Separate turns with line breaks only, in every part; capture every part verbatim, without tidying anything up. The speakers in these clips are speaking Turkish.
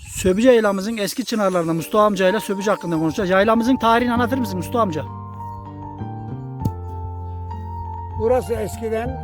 Söbüce yaylamızın eski çınarlarında Mustafa amcayla Söbüce hakkında konuşacağız. Yaylamızın tarihini anlatır mısın Mustafa amca?
Burası eskiden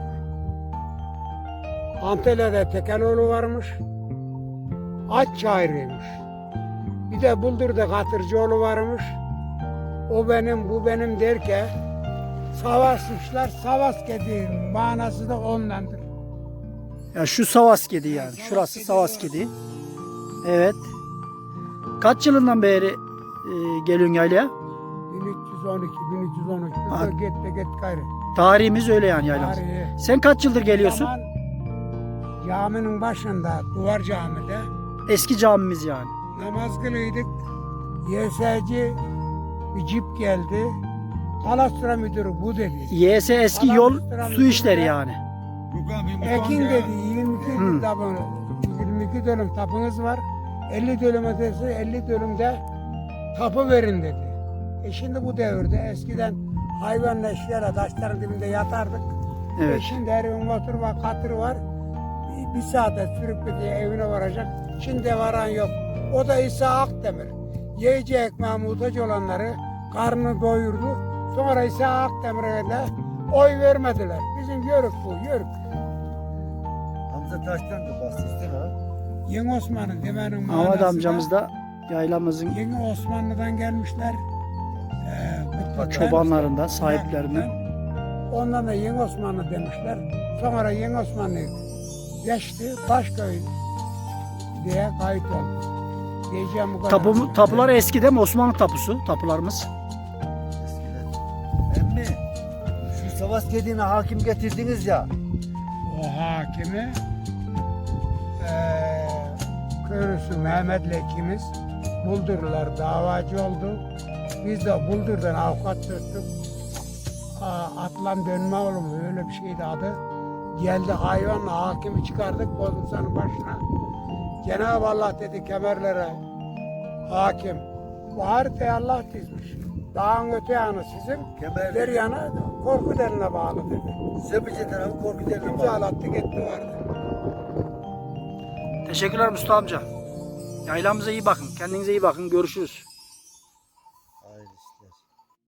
Antalya'da Tekeloğlu varmış. Aç çayırıymış. Bir de Buldur'da Katırcıoğlu varmış. O benim, bu benim derken savaşmışlar. Savas kedi manası da ondandır.
Ya şu Savaskedi yani. Şurası Savaskedi. Evet. Kaç yılından beri e, geliyorsun yaylaya?
bin üç yüz on iki, bin üç yüz on üç.
Ha.
Git de git gayrı.
Tarihimiz öyle yani yaylamız.
Tarihi.
Sen kaç yıldır geliyorsun?
Zaman caminin başında, duvar camide
Eski camimiz yani.
namaz kılıyorduk. Y S C bir cip geldi. Kalastra müdürü bu dedi.
Y S eski yol su işleri yani.
Ekin dedi yirmi iki
Hı.
tapu, yirmi iki dönüm tapunuz var. elli dönüm ötesi elli dönümde tapu verin dedi. E şimdi bu devirde eskiden hayvanla eşyayla taşların dibinde yatardık.
Evet.
E şimdi her evin motor var, katır var. Bir, bir saate sürüp gidiyor evine varacak. Şimdi varan yok. O da İsa Akdemir. Yiyeceği ekmeğe muhtaç olanları karnını doyurdu. Sonra İsa Akdemir'e de oy vermediler. Bizim yörük bu, yörük.
Hamza Taş'tan da bahsetsin ha.
Yeni Osmanlı demenin manası
Ahmet
da,
amcamız da yaylamızın
Yeni Osmanlı'dan gelmişler. Ee, Kutlu'dan,
çobanlarından, sahiplerinden.
Ondan da Yeni Osmanlı demişler. Sonra Yeni Osmanlı geçti, Başköy diye kayıt oldu. Diyeceğim bu kadar.
Tapu, tapular eski değil mi? Osmanlı tapusu tapularımız.
Eskiden. Emmi, şu Savas Kedi'ne hakim getirdiniz ya.
O hakimi eee köylüsü Mehmet'le ikimiz Buldurlar davacı oldu. Biz de Buldur'dan avukat tuttuk. Aa, Atlan dönme oğlum öyle bir şeydi adı. Geldi hayvanla hakimi çıkardık Bozumsan'ın başına. Cenab-ı Allah dedi kemerlere hakim. Bu haritayı Allah dizmiş. Dağın öte yanı sizin,
Kemer-
bir yanı korku deline bağlı dedi.
Söbüce tarafı korku derine bağlı.
İmzalattı gitti vardı.
Teşekkürler Mustafa amca. Yaylamıza iyi bakın. Kendinize iyi bakın. Görüşürüz.